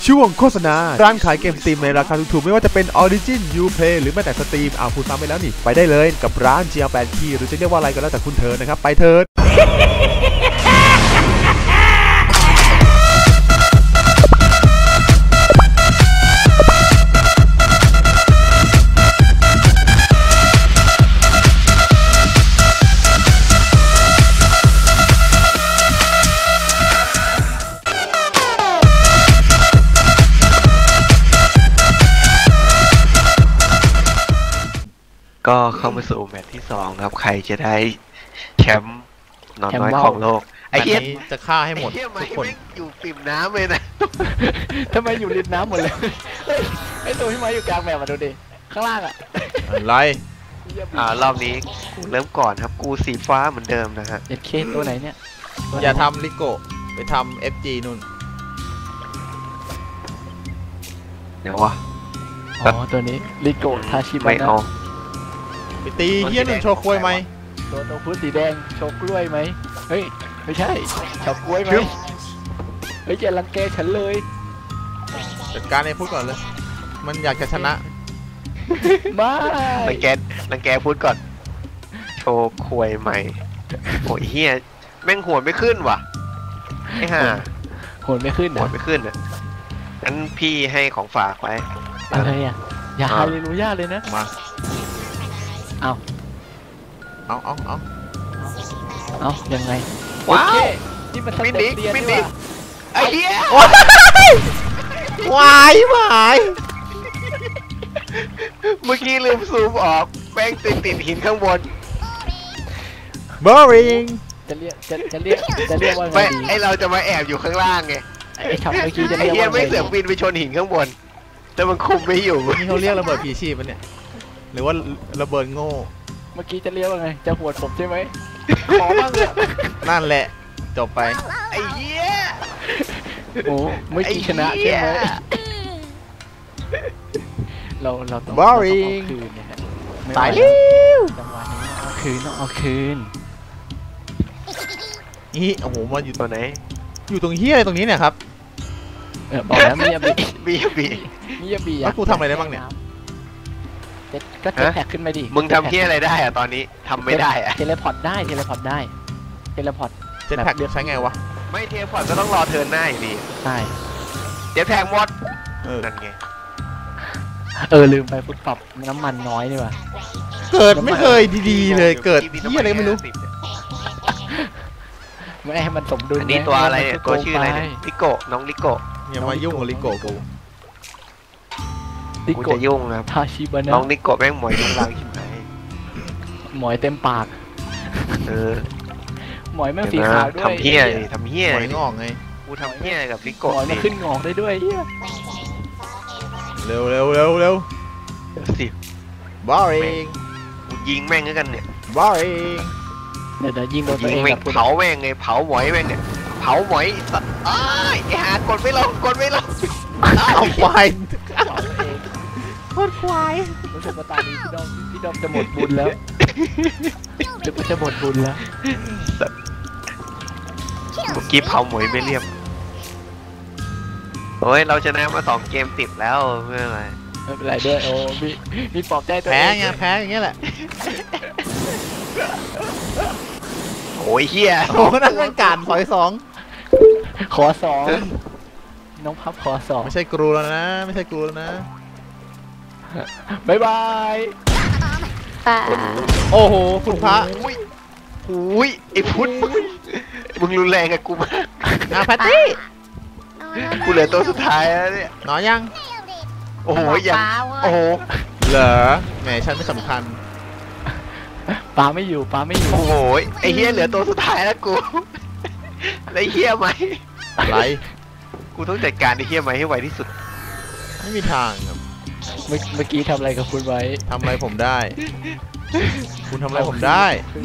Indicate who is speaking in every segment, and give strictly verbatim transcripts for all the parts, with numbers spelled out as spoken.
Speaker 1: ช่วงโฆษณาร้านขายเกมสตรีมในราคาถูกๆไม่ว่าจะเป็น Origin Uplay หรือแม้แต่สตรีมอ้าวพูดซ้ำไปแล้วนี่ไปได้เลยกับร้าน จี แอล แปด Key หรือจะเรียกว่าอะไรก็แล้วแต่คุณเธอนะครับไปเถิด
Speaker 2: ก็เข้ามาสู่แมตช์ที่สองครับใครจะได้แชมป์นอนน้อยของโลกไอ้เหี้ย
Speaker 1: จะฆ่าให้หมดทุกคน
Speaker 2: อยู่ปิ่มน้ำเลยนะ
Speaker 3: ทำไมอยู่ริมน้ำหมดเลยไอ้ตัวที่มาอยู่กลางแบบมาดูดิข้างล่างอะ
Speaker 1: อะไร
Speaker 2: อ่ารอบนี้กูเริ่มก่อนครับกูสีฟ้าเหมือนเดิมนะฮะ
Speaker 3: เอ็ดเคตัวไหนเนี่ย
Speaker 1: อย่าทำลิโกไปทำ เอฟ จี นู่น
Speaker 2: เดี๋ยววะ
Speaker 3: อ๋อตัวนี้ลิโกทาชิบะนะ
Speaker 1: ไปตีเฮี้ยหนึ่งโชว์กล้วยไหม
Speaker 3: ตัวตัวพุทธสีแดงโชว์กล้วยไหมเฮ้ยไม่ใช่โชว์กล้วยไหมเฮ้ยอย่ารังแกฉันเลย
Speaker 1: จัดการให้พูดก่อนเลยมันอยากจะชนะ
Speaker 3: ไม่
Speaker 2: รังแกรังแกพูดก่อนโชว์ควยใหม่โอ้ยเฮียแม่งหัวไม่ขึ้นว่ะไอ้ห่า
Speaker 3: หัวไม่ขึ้น
Speaker 2: หัวไม่ขึ้นอ่ะงั้นพี่ให้ของฝากไว้
Speaker 3: อะไรอ่ะอย่าฮาเลลูยาเลยนะ
Speaker 1: มา
Speaker 3: เอา
Speaker 1: เอาเอาเอา
Speaker 3: เอายังไง
Speaker 2: ว้าว
Speaker 3: นี่มันมินิมินิ
Speaker 2: ไอ้เหี้
Speaker 1: ยวายวาย
Speaker 2: เมื่อกี้ลืมซูมออกแป้งติดติดหินข้างบน
Speaker 1: boring
Speaker 3: จะเรียกจะจะเรียกจะเรียกว่าไงดี
Speaker 2: ไอเราจะมาแอบอยู่ข้างล่างไง
Speaker 3: ไอ้ช็อตเมื่อกี้จะเรียกว่า
Speaker 2: ไอ้เหี้ยไม่เสือกบินไปชนหินข้างบนแต่มันคุมไม่อยู่
Speaker 1: นี่เขาเรียกระเบิดผีชีพมันเนี่ยหรือว่าระเบิดโง่
Speaker 3: เมื่อกี้จะเรียกว่าไงจะหวดผมใช่ไหมขอบ้างเลย
Speaker 1: นั่นแหละจบไป
Speaker 2: ไอ้เหี้ย
Speaker 3: โอ้ไม่กี่ชนะใช่ไหมเราเราต้อง
Speaker 1: boring
Speaker 3: คืนนะฮะ
Speaker 1: ตายแล้ว
Speaker 3: จังหวะนี้เอาคืนต้องเอาคืน
Speaker 1: นี่โอ้โหมาอยู่
Speaker 2: ตัวไหน
Speaker 1: อยู่ตรงเฮี้ยอะไรตรงนี้เนี่ยครับ
Speaker 3: เออบอกแล้วมียาบี
Speaker 2: มียาบี
Speaker 3: มียาบี
Speaker 1: แล้วกูทำอะไรได้บ้างเนี่ย
Speaker 3: ก็เทเลพอร์ตขึ้นมาดิ
Speaker 2: มึงทำเฮี้ยอะไรได้อะตอนนี้ทำไม่ได้อะ
Speaker 3: เทเลพอร์ตได้เทเลพอร์ตได้เทเลพอร์ต
Speaker 1: เจ็ตแพ็กเรียกใช้ไงวะ
Speaker 2: ไม่เทเลพอร์ตก็ต้องรอเทิร์นหน้าอยู่ดี
Speaker 3: ใช่
Speaker 2: เจ็ตแพ็กหมดนั่นไง
Speaker 3: เออลืมไปฟุตปรับน้ำมันน้อยนี่ว่ะ
Speaker 1: เกิดไม่เคยดีๆเลยเกิดเฮี้ยอะไรไม่รู้
Speaker 3: ไม่ให้มันสมดุล
Speaker 2: นี่ตัวอะไรเนี่ยตัวชื่ออะไรลิโกน้องลิโก
Speaker 1: อย่ามายุ่งกับลิโกกู
Speaker 2: กูจะยุ่งครับ
Speaker 3: ทาชิบะนะ
Speaker 2: น้องลิโกแม่งหมอยยุ่งรังใช่ไหม
Speaker 3: หมอยเต็มปาก
Speaker 2: เออ
Speaker 3: หมอยแม่งสีขาวด้วย
Speaker 2: ทำเหี้ยทำเหี้ย
Speaker 1: หมอยงอกไง
Speaker 2: กูทำเหี้ยกับลิโก
Speaker 3: หมอยมันขึ้นงอกได้ด้วยเหี้ย
Speaker 1: เร็วเร็วเร็วเร็ว
Speaker 2: สิ
Speaker 1: boring
Speaker 2: กูยิงแม่งกันเนี่ย
Speaker 1: boring
Speaker 3: เดี๋ยวยิงโดนตัวเอง
Speaker 2: เผาแม่งไงเผาหมอยแม่งเนี่ยเผาหมอยสัตว์ไอ้หากดไม่ลงกดไม่ลง
Speaker 1: เอาควายโคตรควาย
Speaker 3: รู้สึกว่าตอนนี้พี่ดอมพี่ดอมจะหมดบุญแล้วจะจะหมดบุญแล้ว
Speaker 2: เมื่อกี้เผาหมอยไม่เรียบโอ้ยเราชนะมาสองเกมติดแล้วเมื่อไร
Speaker 3: ไม่เป็นไรด้วยโอ้มีมีปลอบใจตัวเอง
Speaker 1: แพ้ไงแพ้อย่างเงี้ยแหละ
Speaker 2: โอ้ยเฮีย
Speaker 1: โอ้นั่นเป็นการขอสอง
Speaker 3: ขอสองน้องพับขอสอง
Speaker 1: ไม่ใช่กรูแล้วนะไม่ใช่กรูแล้วนะ
Speaker 3: บายบาย
Speaker 1: โอ้โหคุณพระ
Speaker 2: อุ้ยไอ้พุทธมึงรุนแรงกับกูมาก
Speaker 1: อาแพตตี้
Speaker 2: กูเหลือตัวสุดท้ายแล้วเนี่ย
Speaker 1: น้อยยัง
Speaker 2: โอ้โหยังโอ้โห
Speaker 1: เหรอแหมฉันไม่สำคัญ
Speaker 3: ปลาไม่อยู่ปลาไม่อยู่
Speaker 2: โอ้โหไอ้เฮียเหลือตัวสุดท้ายแล้วกูไอ้เฮียไหม
Speaker 1: อะไร
Speaker 2: กูต้องจัดการไอ้เฮียไหมให้ไวที่สุด
Speaker 1: ไม่มีทางครับ
Speaker 3: เมื่อกี้ทำอะไรกับคุณไว้
Speaker 1: ทำอะไรผมได้คุณทำอะไรผมได้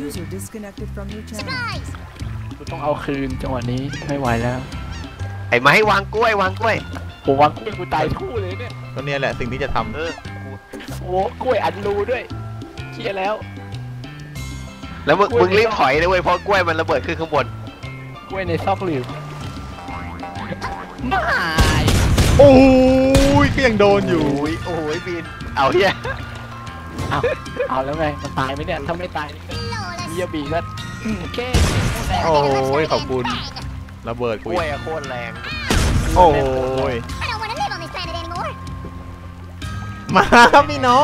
Speaker 3: คุณต้องเอาคืนจังหวะนี้ไม่ไหวแล้ว
Speaker 2: ไอ้ไม้วางกล้วยวางกล้วย
Speaker 3: โอ้วางกล้วยกูตายคู่เลยเนี่ย
Speaker 1: ก็เนี่ยแหละสิ่งที่จะทำ
Speaker 2: เออ
Speaker 3: โอ้กล้วยอันรูด้วยเชี่ยแล้ว
Speaker 2: แล้วมึงมึงรีบถอยเลยเว้ยเพราะกล้วยมันระเบิดขึ้นข้างบน
Speaker 3: กล้วยในซอกหลืบไม่
Speaker 1: โอ้ยก็ยังโดนอยู่
Speaker 2: โอ้ยโอ้ยบินเอาเฮีย
Speaker 3: เอาเอาแล้วไงมันตายไหมเนี่ยถ้าไม่ตายมิยาบิก็โอเค
Speaker 1: โอ้ยขอบคุณระเบิด
Speaker 2: ก
Speaker 1: กู
Speaker 2: ล้วย
Speaker 1: อีก
Speaker 2: อะโคตรแรง
Speaker 1: โอ้ย
Speaker 4: I don't want to live on this planet anymore.
Speaker 1: มาพี่น้อง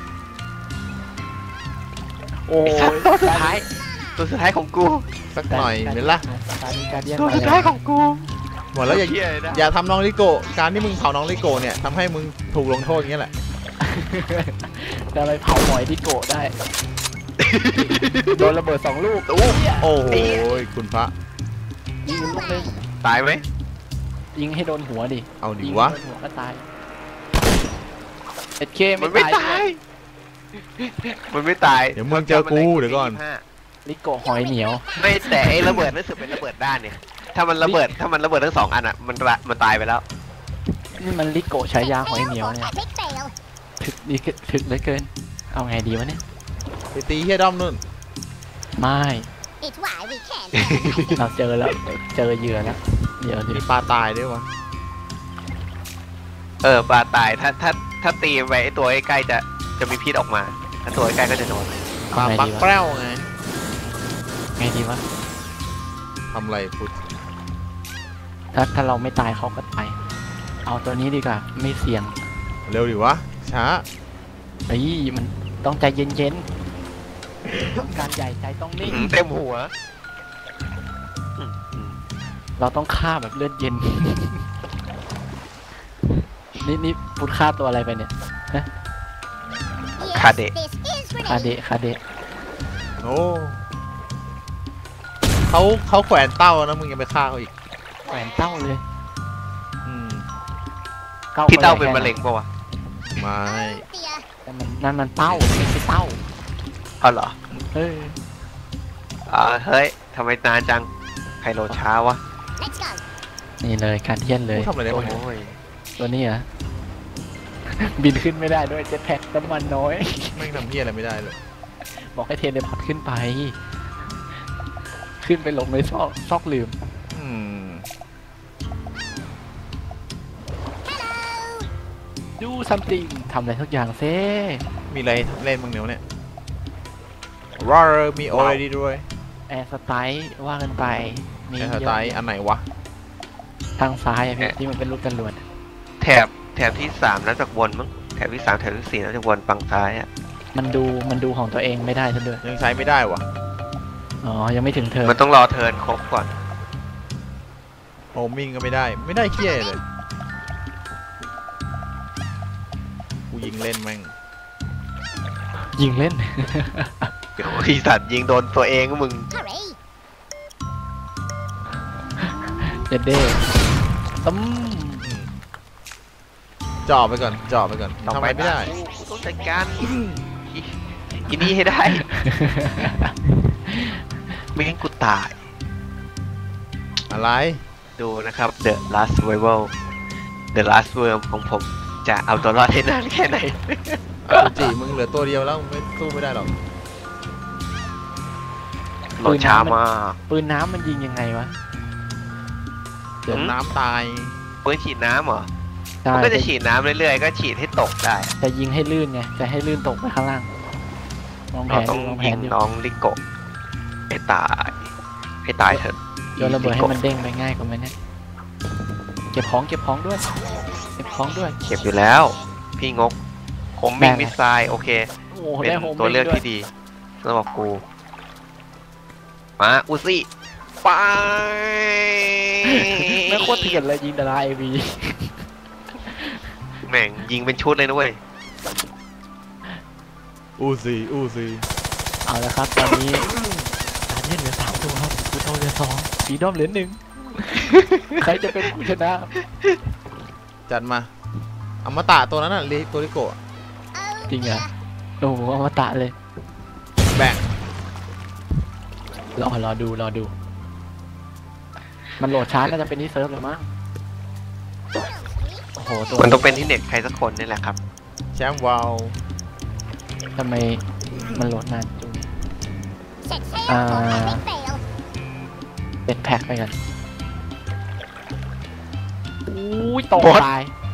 Speaker 3: โอ้
Speaker 2: ไอ้สัต
Speaker 3: ย
Speaker 2: ว์ตัวสุดท้ายตัวสุดท้ายของกู
Speaker 1: สักหน่อยเห็นละ
Speaker 3: การนี้การเดียน
Speaker 2: ตัวสุดท้ายของกู
Speaker 1: หมดแล้วอย่า
Speaker 2: เฮียเลยนะ
Speaker 1: อย่าทำน้องลิโกะการที่มึงเผาน้องลิโกะเนี่ยทำให้มึงถูกลงโทษอย่างเงี้ยแหละ
Speaker 3: จะไปเผาหมอยที่โกะได้โดนระเบิดสองลูก
Speaker 2: ตู้
Speaker 1: โอ้โหคุณพระ
Speaker 3: ยิงลูกนึง
Speaker 2: ตายไหม
Speaker 3: ยิงให้โดนหัวดิ
Speaker 1: เอาดิ
Speaker 3: ยิง
Speaker 1: วะ
Speaker 3: โดนหัวก็ตายเอ็ดเค
Speaker 2: มัน
Speaker 3: ไม่
Speaker 2: ไม่
Speaker 3: ตา
Speaker 2: ตาย ยมันไม่ตาย
Speaker 1: เดี๋ยวมึงเจอกูเดี๋ยวก่อน
Speaker 3: ลิโกะหอยเหนียว
Speaker 2: ไม่แต่ไอ้ระเบิดรู้สึกเป็นระเบิดด้านเนี่ยถ้ามันระเบิดถ้ามันระเบิดทั้งสองอันอ่ะมันระมันตายไปแล้ว
Speaker 3: นี่มันลิโกะใช้ยาหอยเหนียวเนี่ย
Speaker 4: Epic fail.
Speaker 3: ถึกดีถึกเหลือเกิน เอาไงดีวะเนี่ย
Speaker 1: ไปตีเฮียด้อมนู่น
Speaker 3: ไม่
Speaker 4: It's why we can't.
Speaker 3: เราเจอแล้วเจอเหยื่อแล้วเดี๋ยว
Speaker 1: มี
Speaker 3: ดิ
Speaker 1: ปลาตายด้วยวะ
Speaker 2: เออปลาตายถ้าถ้าถ้าตีไปไอ้ตัวใกล้ๆจะจะมีพิษออกมา ถ้าตัวใกล้ๆก็จะโดน
Speaker 1: ปลา
Speaker 3: เอาไง
Speaker 1: ปัก
Speaker 3: ดี
Speaker 1: แป้
Speaker 3: วะ
Speaker 1: วไง
Speaker 3: ไงดีวะ
Speaker 1: ทำอะไรพุทธ
Speaker 3: ถ้าถ้าเราไม่ตายเขาก็ตายเอาตัวนี้ดีกว่าไม่เสี่ยง
Speaker 1: เร็วดิวะช้า
Speaker 3: เฮ้ยมันต้องใจเย็นๆการใหญ่ใจต้องนิ่ง
Speaker 2: เต็มหัว
Speaker 3: เราต้องฆ่าแบบเลือดเย็น นี่นี่พูดฆ่าตัวอะไรไปเนี่ย
Speaker 4: Yes,
Speaker 2: Kade.
Speaker 4: this is
Speaker 3: คา
Speaker 4: grenade.
Speaker 3: เดะคาเดะ
Speaker 1: โอ้เขาเขาแขวนเต้านะมึงยังไปฆ่าเขาอีก
Speaker 3: แหวนเต้าเลย
Speaker 1: อืม
Speaker 2: พี่เต้าเป็น
Speaker 3: แค่
Speaker 2: มะเร็งปะวะ
Speaker 1: ไม่
Speaker 4: Dear.
Speaker 3: แต่มันนั่นมันเต้าไม่ใช่เต้า
Speaker 2: เอาเหรอ
Speaker 3: เฮ้ย
Speaker 2: อ่าเฮ้ยทำไมนานจังใครโหลดช้าวะ
Speaker 4: Let's go.
Speaker 3: นี่เลยการเทียนเลย
Speaker 1: กูทำอะไรได้
Speaker 2: โอ้
Speaker 1: บ้างเนี่ย
Speaker 2: ย
Speaker 3: ตัวนี้เหรอ บินขึ้นไม่ได้ด้วยเจ็ตแพ็กน้ำมันน้อย
Speaker 1: ไม่งทำเฮียอะไรไม่ได้เลย
Speaker 3: บอกให้เทเลพอร์ตขึ้นไป ขึ้นไปหลงในซอกซอกลืม
Speaker 1: อืม
Speaker 3: ดูซัมติงทำอะไรทุกอย่างเซ่
Speaker 1: มีอะไรเล่นบ้างเดี๋ยวเนี่ยรอร์มีโอเรดี้ด้วย
Speaker 3: แอร์สไตล์ว่ากันไป มี
Speaker 1: ไอ้
Speaker 3: เย
Speaker 1: ส
Speaker 3: อะ
Speaker 1: ไตล์อันไหนวะ
Speaker 3: ทางซ้ายอะพี่ที่มันเป็นลูกจรวด
Speaker 2: แถบแถบที่สามนับจากบนมั้งแถบที่สามแถบที่สี่นับจากบนฝั่งซ้ายอ่ะ
Speaker 3: มันดูมันดูของตัวเองไม่ได้ซะด้วย
Speaker 1: ยังใช้ไม่ได้วะ
Speaker 3: อ๋อ ยังไม่ถึงเธอ
Speaker 2: มันต้องรอเทิร์นครบก่อน
Speaker 1: โฮมมิ่งก็ไม่ได้ ไม่ได้เคี้ยเลย กูยิงเล่นแม่ง
Speaker 3: ยิงเล่น
Speaker 2: เดี๋ยวไอีสัตว์ยิงโดนตัวเองก็มึง
Speaker 4: Hurry.
Speaker 3: เด็ดเด้ต้ม
Speaker 1: อืมจ่อไปก่อนจ่อไปก่อน
Speaker 2: ต่อ
Speaker 1: ทำ
Speaker 2: ไป
Speaker 1: ไมไม่ได้
Speaker 2: กูกูต้องจัดการอีอีนี่ให้ได้ ไม่งั้นกูตาย
Speaker 1: อะไร
Speaker 2: ดูนะครับ The Last Survival The Last Worm ของผม จะเอาตัวรอดให้นานแค่ไหน
Speaker 1: กูจีมึงเหลือตัวเดียวแล้วมึงไม่สู้ไม่ได้หรอก
Speaker 2: โหลดช้ามาก
Speaker 3: ปืนน้ำมันยิงยังไงวะ
Speaker 1: เดี๋ยวน้ำตาย
Speaker 2: ปืนฉีดน้ำเหรอ
Speaker 3: ใช่
Speaker 2: มันก็จะฉีดน้ำเรื่อยๆ ก็ฉีดให้ตกได้
Speaker 3: จะยิงให้ลื่นไง จะให้ลื่นตกไปข้างล่างลองแผ
Speaker 2: เรา
Speaker 3: น
Speaker 2: ต้อง
Speaker 3: ดูลองแผ
Speaker 2: ยิ
Speaker 3: น
Speaker 2: ง
Speaker 3: ดู
Speaker 2: น้องลิโกะให้ตาย ให้ตายเถอะ
Speaker 3: โยนระเบิดให้มันเด้งไปง่ายกว่าไหมเนี่ย เก็บของเก็บของด้วย เก็บของด้วย
Speaker 2: เก็บอยู่แล้ว พี่งกผมมิงมิสไซล์โอเค
Speaker 3: โอ้โห
Speaker 2: เป็น
Speaker 3: ได้โฮม
Speaker 2: ตัวเลือก
Speaker 3: ด้วย
Speaker 2: ที่ดีสำหรับกู มาอุซี่ไป
Speaker 3: ไม่โคตรเถื่อนเลยยิงดาราเอวี
Speaker 2: แม่งยิงเป็นชุดเลยนะเว้ย
Speaker 1: อูซีอูซี
Speaker 3: เอาละครับ ตอนนี้การเล่นเหลือสามตัวครับกูโตเหลือสองสีด้อมเหลือหนึ่ง ใครจะเป็นผู้ชนะ
Speaker 1: จัดมาอมตะตัวนั้นน่ะลิตัวลิโกะ
Speaker 3: จริงเหรอโอ้โหอมตะเลย
Speaker 1: แบ่ง
Speaker 3: รอรอดูรอดู มันโหลดช้าน่าจะเป็นที่เซิร์ฟเลยมั้งโอ้โหตัว
Speaker 2: มันต้องเป็นที่เน็ตใครสักคนนี่แหละครับ
Speaker 1: แชมป์วาว
Speaker 3: ทำไมมันโหลดนานจุง
Speaker 4: Set sail
Speaker 3: À.
Speaker 4: for epic fail.
Speaker 3: เป็นแพ็คไปกันอุ้ยตก
Speaker 2: บอส
Speaker 3: ตาย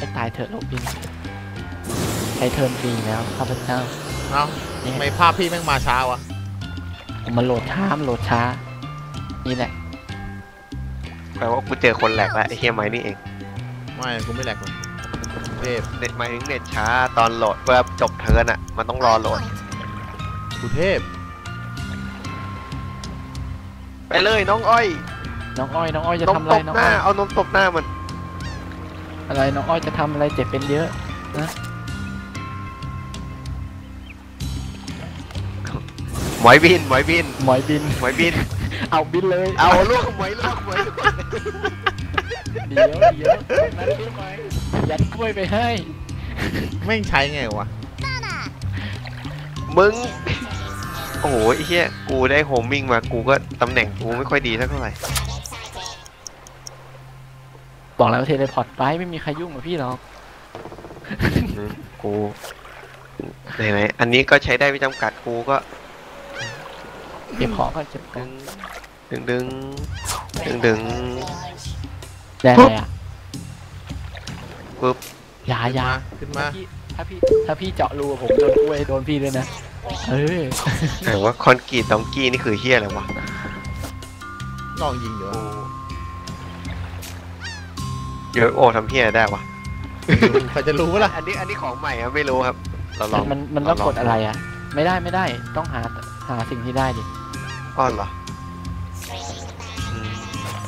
Speaker 3: ให้ตายเถอะโรบินใช้เทิร์นฟรีแล้วข้าพเจ้า
Speaker 1: เอ้าทำไมภาพพี่แม่งมาช้าวะ
Speaker 3: ผมมันโหลดช้ามันโหลดช้านี่แหละ
Speaker 2: แปลว่ากูเจอคนแหลกแล้วไอ้เฮียไม้นี่เอง
Speaker 1: ไม่กูไม่แหลกหรอกเทพ
Speaker 2: เน็ตหมายถึงเน็ตช้าตอนโหลดเพื่อจบเทิร์นอ่ะมันต้องรอโหลด
Speaker 1: กูเทพ
Speaker 2: ไปเลยน้องอ้อย
Speaker 3: น้องอ้อยน้องอ้อยจะ
Speaker 2: นม
Speaker 3: ทำอะ
Speaker 2: ต
Speaker 3: ไร
Speaker 2: บ
Speaker 3: น้อง
Speaker 2: หน้า
Speaker 3: อ้อย
Speaker 2: เอานมตบหน้ามัน
Speaker 3: อะไรน้องอ้อยจะทำอะไรเจ็บเป็นเยอะนะ
Speaker 2: หมอยบินหมอยบิน
Speaker 3: หมอยบิน
Speaker 2: หมอยบิน
Speaker 3: เอาบินเลย
Speaker 2: เอาลูกหมอยลูกหมอยลูก
Speaker 3: เดี๋ยวเดี๋ยวนั่นได้ไหมยัดกล้วยไปให้
Speaker 1: แม่งใช้ไงวะ
Speaker 2: มึงโอ้โหไอ้เหี้ยกูได้โฮมมิ่งมากูก็ตำแหน่งกูไม่ค่อยดีสักเท่าไหร่
Speaker 3: บอกแล้วเทเลพอร์ตไปไม่มีใครยุ่งกับพี่หรอก
Speaker 2: อืมกูไหนๆอันนี้ก็ใช้ได้ไม่จำกัดกูก็
Speaker 3: เก็บของก็เก็บข
Speaker 2: ดึ
Speaker 3: อง
Speaker 2: งดึงดึงดึงดึง
Speaker 3: ได้เลยอ่ะ
Speaker 2: ปึ๊บ
Speaker 3: อยาอยา
Speaker 1: ขึ้นมา
Speaker 3: ถ้าพี่ถ้าพี่เจาะรูผมโดนกล้วยโดนพี่ด้วยนะเออ
Speaker 2: แต่ว่าคอนกรีตดองกี้นี่คือเฮียอะไรวะ
Speaker 1: ลองยิงเดี๋ยว
Speaker 2: เยอะโอทำเฮียได้วะ
Speaker 1: ใครจะรู้วะล่ะ
Speaker 2: อันนี้อันนี้ของใหม่อะไม่รู้ครับเราลอง
Speaker 3: มันมันต้องกดอะไรอ่ะ ไม่ได้ไม่ได้ต้องหาหาสิ่งที่ได้ดิ
Speaker 2: อ้อนเหรออืม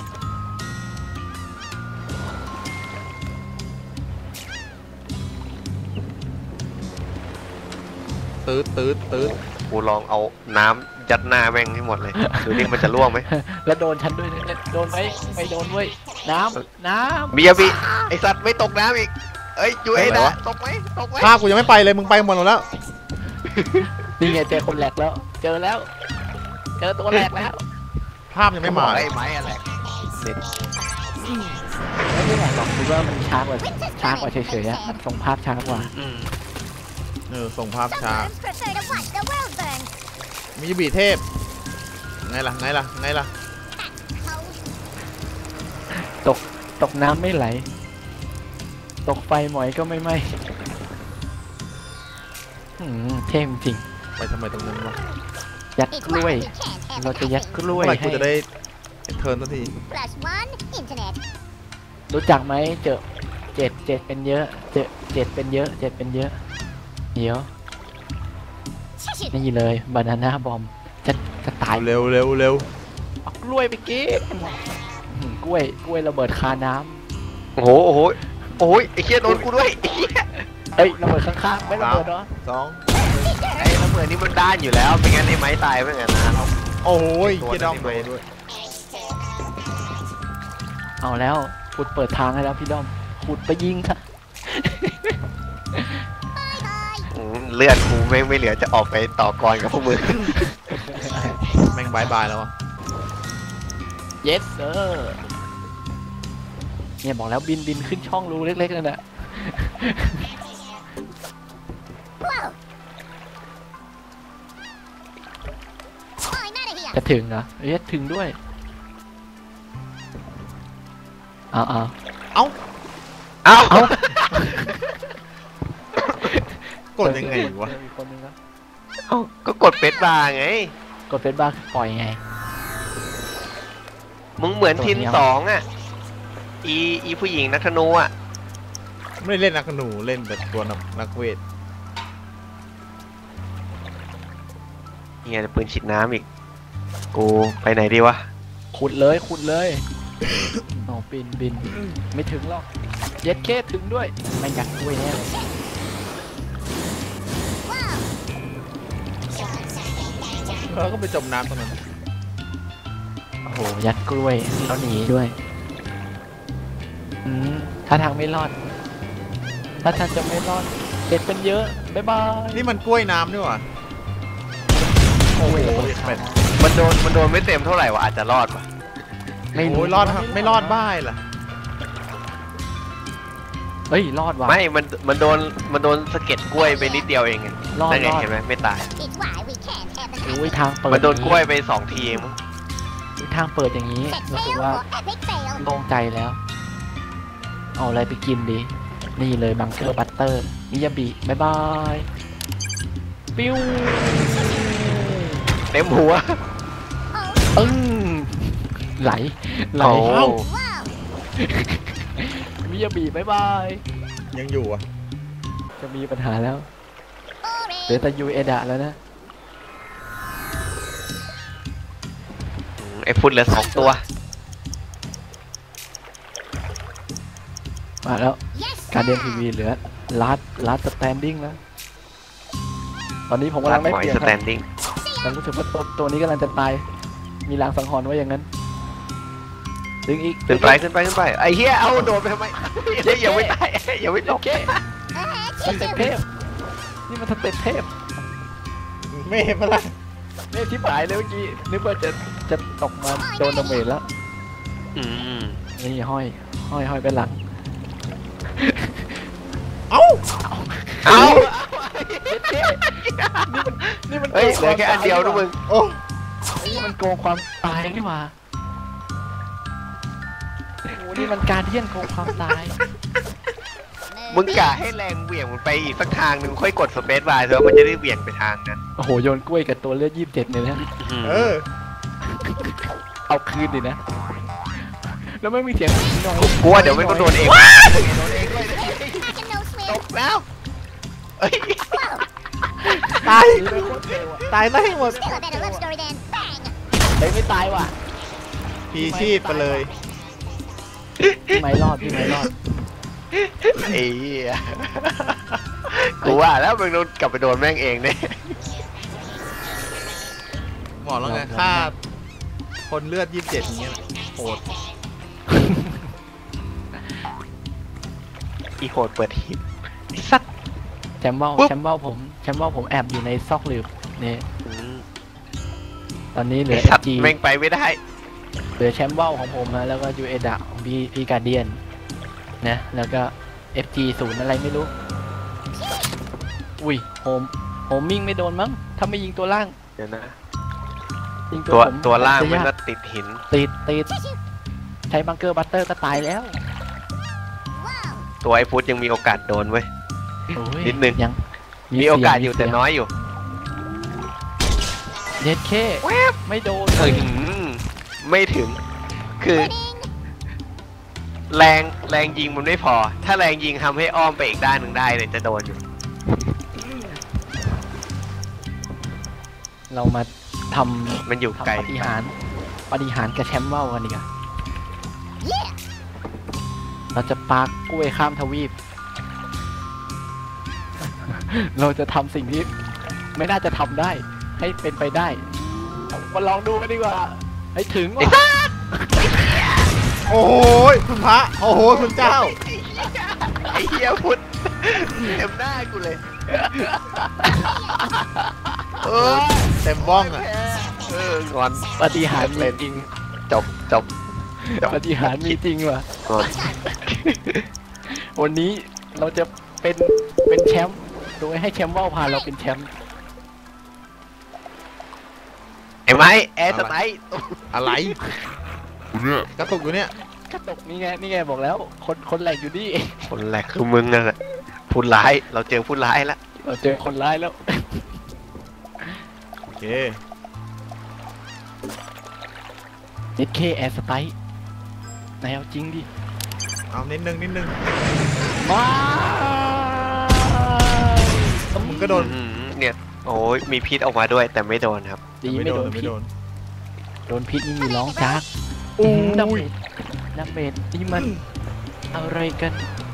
Speaker 1: ตืดตืดตืด
Speaker 2: กูลองเอาน้ำยัดหน้าแม่งให้หมดเลยดูนี่มันจะร่วงไหม
Speaker 3: แล้วโดนฉันด้วยเนี่ยโดนไหมไม่โดนเว้ยน้ำน้ำ
Speaker 2: มียาบิไอสัตว์ไม่ตกน้ำอีกเอ้ยจุ้ยนะตกไหมตกไหม
Speaker 1: ภาพกูยังไม่ไปเลยมึงไปหมดแล้ว
Speaker 3: นี่ไงเจอคนแหลกแล้ว เจอแล้ว เจอตัวแหลกแล้ว
Speaker 1: ภาพยังไม่มา
Speaker 2: ไอ้ไม้อะไรเด็ด
Speaker 3: ไม่ได้แหลกหรอกคือว่ามันช้ากว่าช้ากว่าเฉยๆอะมันส่งภาพช้ากว่า
Speaker 2: อืม
Speaker 1: เออส่งภาพ
Speaker 4: Some
Speaker 1: ช้า
Speaker 4: worms prefer to watch the world burn.
Speaker 1: มีบีเทพไงล่ะไงล่ะไงล่ะ
Speaker 4: Cold.
Speaker 3: ตกน้ำไม่ไหล ตกไฟหมอยก็ไม่ไหม้หืมเท่จริง
Speaker 1: ไปทำไมตรงนั้นวะ
Speaker 3: ยัด
Speaker 4: It's
Speaker 3: กล้วย
Speaker 4: why we can't have
Speaker 3: เรา
Speaker 4: the
Speaker 3: จะยัด
Speaker 4: cottage.
Speaker 3: กล้วย
Speaker 1: เมื่อไหร่กู
Speaker 3: ให้
Speaker 1: จะได้เทิร์นสักที
Speaker 4: Plus one, internet.
Speaker 3: รู้จักไหมเจอเจ็ดเจ็ดเป็นเยอะ เจอเจ็ดเป็นเยอะเจ็ดเป็นเยอะ เดี๋ยว
Speaker 4: Shush it.
Speaker 3: นี่เลยบานาน่าบอมจะจะตาย
Speaker 1: เร็วเร็วเร็ว
Speaker 3: เอากล้วยไปกินอืมกล้วยกล้วยระเบิดคาน้
Speaker 2: โอ้โหโอ้โหโอ้ยไอ้เหี้ยโดนกูด้วยไอ้เหี้ย
Speaker 3: ำเอ้ยระเบิดข้างๆไม่ระเบิดเหรอ
Speaker 1: สอง
Speaker 2: ไอ้ระเบิดนี่มันด้านอยู่แล้วไม่งั้นไอ้ไม้ตายไม่งั้นนะเอา
Speaker 1: โอ้ย
Speaker 2: ตัว
Speaker 1: เกียดอม
Speaker 2: นั้น
Speaker 1: โด
Speaker 2: ไม่
Speaker 1: นด้วย
Speaker 3: เอาแล้วขุดเปิดทางให้แล้วพี่ด้อมขุดไปยิงค่ะ
Speaker 2: อืมเลือดกูไม่ไม่เหลือจะออกไปต่อกรกับพวกมึง
Speaker 1: แม่งบายบายแล้ววะ
Speaker 3: yes sir เนี่ยบอกแล้วบินบินขึ้นช่องรูเล็กๆนั่นแหละ
Speaker 4: Whoa. I'm out of here.
Speaker 3: จะถึงเหรอเอ้ยถึงด้วยเอาเอา
Speaker 2: เอ้า
Speaker 3: เอา
Speaker 1: กดยังไงวะ
Speaker 3: เจออีกคนนึงแล้ว
Speaker 2: เอ้าก็กดเป็ดบาร์ไง
Speaker 3: กดเฟซบ้าปล่อยไง
Speaker 2: มึงเหมือน
Speaker 3: ตัว
Speaker 2: ทิน
Speaker 3: เนี้ย
Speaker 2: สองอ่ะอีอีผู้หญิงนักธนูอ่ะ
Speaker 1: ไม่ได้เล่นนักหนูเล่นแต่ตัวนักนักเวท
Speaker 2: เฮียปืนฉีดน้ำอีกกูไปไหนดีวะ
Speaker 3: ขุดเลยขุดเลยโอ้บินบินไม่ถึงหรอกเย็ดเคถึงด้วยไม่อยากกล้วยแน่เลย
Speaker 4: Whoa.
Speaker 1: แล้วก็ไปจมน้ำตรงนั้น
Speaker 3: โอ้โหยัดกล้วยแล้วหนีด้วยอืมถ้าทางไม่รอด ถ้าทางจะไม่รอดเด็ดเป็นเยอะบ๊ายบาย
Speaker 1: นี่มันกล้วยน้ำด้วยวะ
Speaker 3: โอ้ย
Speaker 1: โอ้ยเป็ด
Speaker 2: มันโดนมันโดนไม่เต็มเท่าไหร่วะอาจจะรอดวะ
Speaker 3: ไม่
Speaker 1: โอ้ยรอดไม่รอดบ้ายล่ะ
Speaker 3: เฮ้ยรอดว่ะ
Speaker 2: ไม่มันมันโดนมันโดนสะเก็ดกล้วยไปนิดเดียวเองไง
Speaker 3: รอด
Speaker 2: นั่นไง
Speaker 3: รอด
Speaker 2: เห็นไหมไม่ตาย
Speaker 4: It's why we can't have the
Speaker 3: โอ้ย
Speaker 4: cottage.
Speaker 3: ทางเปิด
Speaker 2: มันโดนกล้วยไปสองทีเองมั้ง
Speaker 3: อุ๊ยทางเปิดอย่างนี้
Speaker 4: Set
Speaker 3: รู้สึก
Speaker 4: sail
Speaker 3: ว่า
Speaker 4: or epic fail.
Speaker 3: โล่งใจแล้ว เอาอะไรไปกินดีนี่เลยบังเกอร์บัตเตอร์มิยาบิบายบายปิ้ว
Speaker 2: เต็มหัว
Speaker 3: อึ้งไหลไหล
Speaker 2: โอ้
Speaker 3: เข้า
Speaker 4: Wow.
Speaker 3: มิยาบิบายบาย
Speaker 1: ยังอยู่อ่ะ
Speaker 3: จะมีปัญหาแล้ว
Speaker 4: Boring.
Speaker 3: เหลือแต่ยูเอดะแล้วนะ
Speaker 2: ไอ้ฟุตเหลือสองตัว
Speaker 3: มาแล้ว
Speaker 4: Yes.
Speaker 3: การเดียนทีวีเหลือลาดลาดสแตนดิ้งแล้ว ตอนนี้ผมกำลังได้
Speaker 2: หอย
Speaker 3: เปรียบ
Speaker 2: ส
Speaker 3: ค
Speaker 2: แต
Speaker 3: รับ
Speaker 2: นดิ้ง
Speaker 3: แต่รู้สึกว่าตัวตัวนี้กำลังจะตาย มีลางสังหรณ์ว่าอย่างนั้น ดึงอีก
Speaker 2: ขึ้นไปขึ้นไปขึ้นไปไอ้เหี้ยเอาโดดไปทำไมเฮ้ยอย่าไม่ตายอย่าไม่ต
Speaker 3: โอก เค
Speaker 4: Uh,
Speaker 3: สเต็ปเทพ นี่มันสเต็ปเทพ
Speaker 1: ไม่เห็นปะล่ะ
Speaker 3: เนี่ยที่หายเลยเมื่อกี้ นึกว่าจะจะตกมาโดนดาเมจแล้ว
Speaker 2: อืม
Speaker 3: นี่ห้อย ห้อยห้อยไปหลัง
Speaker 1: เอ้า
Speaker 2: เอา
Speaker 3: นี่มัน
Speaker 2: เฮ้ยเหลือแค่อันเดียวนะมึง
Speaker 1: โอ้
Speaker 3: นี่มันโกงความตายนี่หว่าโอ้โหนี่มันการเดียนโกงความตาย
Speaker 2: มึงกะให้แรงเหวี่ยงมันไปอีกสักทางหนึ่งค่อยกดสเปซบาร์เถอะมันจะได้เหวี่ยงไปทางนั้น
Speaker 3: โอ้โหโยนกล้วยกับตัวเลือดยี่สิบเจ็ดเนี่ยนะ
Speaker 1: เออ
Speaker 3: เอาคืนดินะ แล้วไม่มีเสียงน้อย
Speaker 2: กูว่าเดี๋ยวมันก็โดนเองโดนเองด้วย
Speaker 4: Back and no
Speaker 2: ต
Speaker 4: swim.
Speaker 2: กแล้วเอ้ย
Speaker 4: Whoa.
Speaker 1: ตาย
Speaker 3: นี่ไม่โคตรเร็วอะ
Speaker 1: ตายไม่หมด
Speaker 4: Still a better love story than bang.
Speaker 3: เฮ้ยไม่ตายว่ะ
Speaker 1: พีชีพไปเลย
Speaker 3: พี่ไม่รอดพี่ไม่รอด
Speaker 2: ไอ้เหี้ยกูว่าแล้วมึงโดนกลับไปโดนแม่งเองเนี่ย
Speaker 1: บอกแล้วไงค่าคนเลือดยี่สิบเจ็ดอย่างเงี้ยโหด
Speaker 2: อีโคดเปิดหีบไอ้สัตว์
Speaker 3: แชมเบ้า
Speaker 2: ปุ๊บ
Speaker 3: แชมเบ้าผมแชมเบ้าผมแอบอยู่ในซอกหลืบนี่
Speaker 2: อืม
Speaker 3: ตอนนี้เหลื
Speaker 2: ไอ้
Speaker 3: อ
Speaker 2: สัตว์
Speaker 3: จี
Speaker 2: แม่งไปไม่ได้
Speaker 3: เหลือแชมเบ้าของผมนะแล้วก็ยูเอดะของพี่พี่การเดียนนะแล้วก็ เอฟ จี ศูนย์อะไรไม่รู้ อุ้ยโฮมโฮมมิ่งไม่โดนมั้งถ้าไม่ยิงตัวล่าง
Speaker 2: เดี๋ยวนะ
Speaker 3: ยิง
Speaker 2: ตัว
Speaker 3: ผม
Speaker 2: ตัวล่าง
Speaker 3: จะ
Speaker 2: มัน
Speaker 3: ยาก
Speaker 2: ก็ติดหิน
Speaker 3: ติดติดใช้บังเกอร์บัตเตอร์ก็ตายแล้ว
Speaker 4: Wow.
Speaker 2: ตัวไอ้ฟุตยังมีโอกาสโดนเว้ย
Speaker 3: โอ้ย
Speaker 2: นิดนึง
Speaker 3: ยัง
Speaker 2: มีโอกาส
Speaker 3: เสีง
Speaker 2: อยู่แต่
Speaker 3: มีเสีง
Speaker 2: น้อยอยู่
Speaker 3: เด็ดเคไม่โดน
Speaker 2: ถึงไม่ถึง คือ
Speaker 4: Winning.
Speaker 2: แรงแรงยิงมันไม่พอ ถ้าแรงยิงทำให้อ้อมไปอีกด้านหนึ่งได้เลยจะโดนอยู่
Speaker 3: เรามาทำ
Speaker 2: มันอยู่ไกล
Speaker 3: ทำปฏิหารย์ปฏิหารย์กับแชมป์เบ้ากันดีกว่า
Speaker 4: Yeah.
Speaker 3: เราจะปากกล้วยข้ามทวีป เราจะทำสิ่งที่ไม่น่าจะทำได้ ให้เป็นไปได้ มาลองดูกันดีกว่า ให้ถึงว่ะ
Speaker 1: โอ้โหคุณพระโอ้โหคุณเจ้า
Speaker 2: ไอ้เหี้ยพุทธเต็มหน้ากูเลย เออ
Speaker 1: เต็มบ้องอ่ะ
Speaker 2: เอองอน
Speaker 3: ปฏิหารย์มีจริง
Speaker 2: จบจบจบ
Speaker 3: ปฏิหารย์มีจริงว่ะ
Speaker 2: งอน
Speaker 3: วันนี้เราจะเป็นเป็นแชมป์โดยให้แชมป์ว่าวพาเราเป็นแชมป์
Speaker 2: ไอ้ไม้แอร์สไตล์
Speaker 1: อะไรกระตุกอยู่เนี่ย
Speaker 3: กระตกนี่ไงนี่ไงบอกแล้ว คนคนแหลกอยู่นี่
Speaker 2: คนแรกคือมึงนั่นแหละผู้ร้ายเราเจอผู้ร้ายแล้ว
Speaker 3: เราเจอคนร้ายแล้ว
Speaker 1: โอเค
Speaker 3: นิดเคแอร์สไตล์นายเอาจริงดิ
Speaker 1: เอานิดนึงนิดนึง
Speaker 3: มา
Speaker 1: มึงก็โดน
Speaker 2: อืมเนี่ยโอ้ยมีพิษออกมาด้วยแต่ไม่โดนครับ
Speaker 3: ดีไม่โดน
Speaker 1: ไม่
Speaker 3: พิษ
Speaker 1: โดน
Speaker 3: โดนพิษนี่มีร้องจาก
Speaker 1: โอ้ย
Speaker 3: ดาเมจดาเมจนี่มันอะไรกัน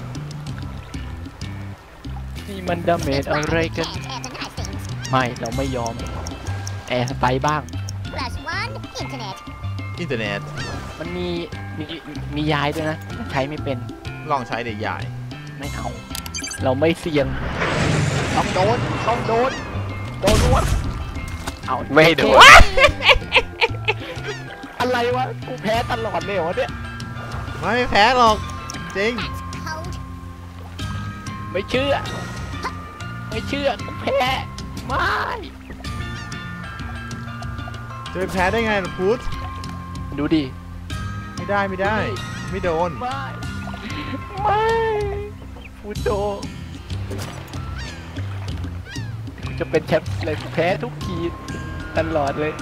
Speaker 3: นี่มันดาเมจ
Speaker 4: This
Speaker 3: อะไร
Speaker 4: one
Speaker 3: กัน
Speaker 4: can't have the nice things.
Speaker 3: ไม่เราไม่ยอม แอร์สไตล์บ้าง
Speaker 4: Plus one, internet.
Speaker 1: อินเทอร์เน็ต
Speaker 3: มันมีมีมียายด้วยนะ ใช้ไม่เป็น
Speaker 1: ลองใช้เด็กใหญ่
Speaker 3: ไม่เอา เราไม่เสี่ยงต้องโดนต้องโดนโดนวดเอา
Speaker 2: ไม่โดน
Speaker 3: อะไรวะกูแพ้ตลอดเลยเหรอวะเนี่ย
Speaker 1: ไม่แพ้หรอกจริง
Speaker 4: That's cold.
Speaker 3: ไม่เชื่อ ไม่เชื่อกูแพ้ไม่
Speaker 1: จะไปแพ้ได้ไงล่ะพุทธ
Speaker 3: ดูดิ
Speaker 1: ไม่ได้ไม่ได้ ไม่โดน
Speaker 3: ไม่ไม่ผฟูโตจะเป็นแชมป์เลยแพ้ทุกทีตลอดเลย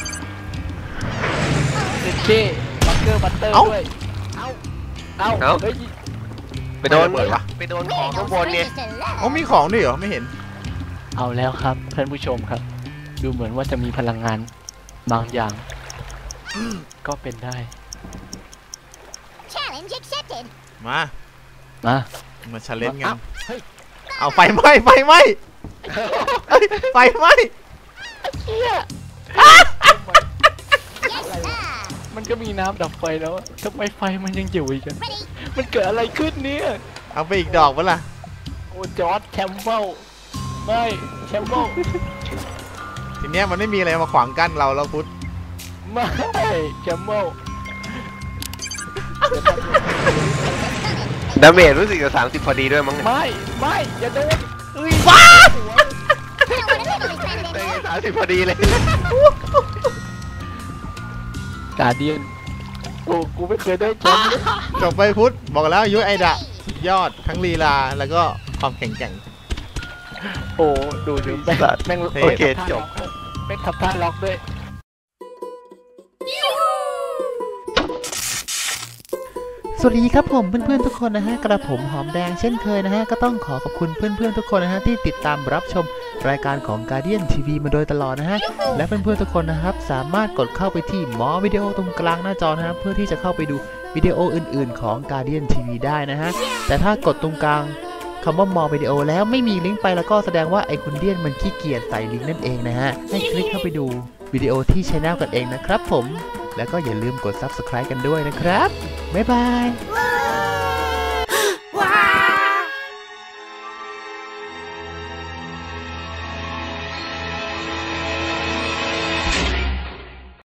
Speaker 3: เอเคบังเกอร์บัตเตอร์ด้วย เอ้า เอ้า
Speaker 2: เอ้า
Speaker 3: เฮ้ย
Speaker 2: ไปโดน
Speaker 1: ไม่ระเบิดวะ
Speaker 2: ไปโดน
Speaker 4: There
Speaker 2: ของ
Speaker 4: ain't
Speaker 2: ข้าง
Speaker 4: no
Speaker 2: บนเนี่ย
Speaker 4: strangers to love.
Speaker 1: อ๋อมีของด้วยเหรอไม่เห็น
Speaker 3: เอาแล้วครับท่านผู้ชมครับ ดูเหมือนว่าจะมีพลังงานบางอย่าง ก็เป็นได้
Speaker 4: Challenge accepted.
Speaker 1: มา
Speaker 3: มา
Speaker 1: มาชาเลนจ์กัน
Speaker 3: อ้าวเฮ้ย
Speaker 1: เอาไฟไหม้ไฟไหม้เอ้ยไฟไหม้
Speaker 3: เชี่ย
Speaker 4: Yes, sir.
Speaker 3: มันก็มีน้ำดับไฟแล้วอะทำไมไฟมันยังอยู่อีกอะ
Speaker 4: Ready?
Speaker 3: มันเกิดอะไรขึ้นเนี่ย
Speaker 1: เอาไปอีกดอกปะล่ะ
Speaker 3: โอ้จอร์ดแชมเปิลไม่แชมเปิล
Speaker 1: ทีเนี้ยมันไม่มีอะไรมาขวางกั้นเราแล้วพุทธ
Speaker 3: ไม่แชมเปิล
Speaker 2: ดาเมจรู้สึกจะสามสิบพอดีด้วยมั้งเนี่ย
Speaker 3: ไม่ไม่อย่าโดนเอ้ย
Speaker 1: ว้า
Speaker 4: I don't want to live on this planet
Speaker 2: ได้
Speaker 4: anymore.
Speaker 2: สามสิบพอดีเลย
Speaker 3: กาเดียนโอ้กูไม่เคยได้แชมป์เลย
Speaker 1: จบไปพุทธบอกแล้วยุ้ยไอดะสุดยอดทั้งลีลาแล้วก็ความแข็งแกร่ง
Speaker 3: โอ้ดูดูแม่งแม่ง
Speaker 1: เท่
Speaker 2: โอเคจบ
Speaker 3: แม่งทับท่าล็อกด้วย
Speaker 5: สวัสดีครับผมเพื่อนๆทุกคนนะฮะกระผมหอมแดงเช่นเคยนะฮะก็ต้องขอขอบคุณเพื่อนๆทุกคนนะฮะที่ติดตามรับชมรายการของ Guardian ที วี มาโดยตลอดนะฮะและเพื่อนๆทุกคนนะครับสามารถกดเข้าไปที่หมอวิดีโอตรงกลางหน้าจอนะฮะเพื่อที่จะเข้าไปดูวิดีโออื่นๆของ Guardian ที วี ได้นะฮะแต่ถ้ากดตรงกลางคำว่ามอวิดีโอแล้วไม่มีลิงก์ไปแล้วก็แสดงว่าไอคุณเดียนมันขี้เกียจใส่ลิงก์นั่นเองนะฮะให้คลิกเข้าไปดูวิดีโอที่ช anel กันเองนะครับผมแล้วก็อย่าลืมกด ซับสไครบ์ กันด้วยนะครับบ๊ายบาย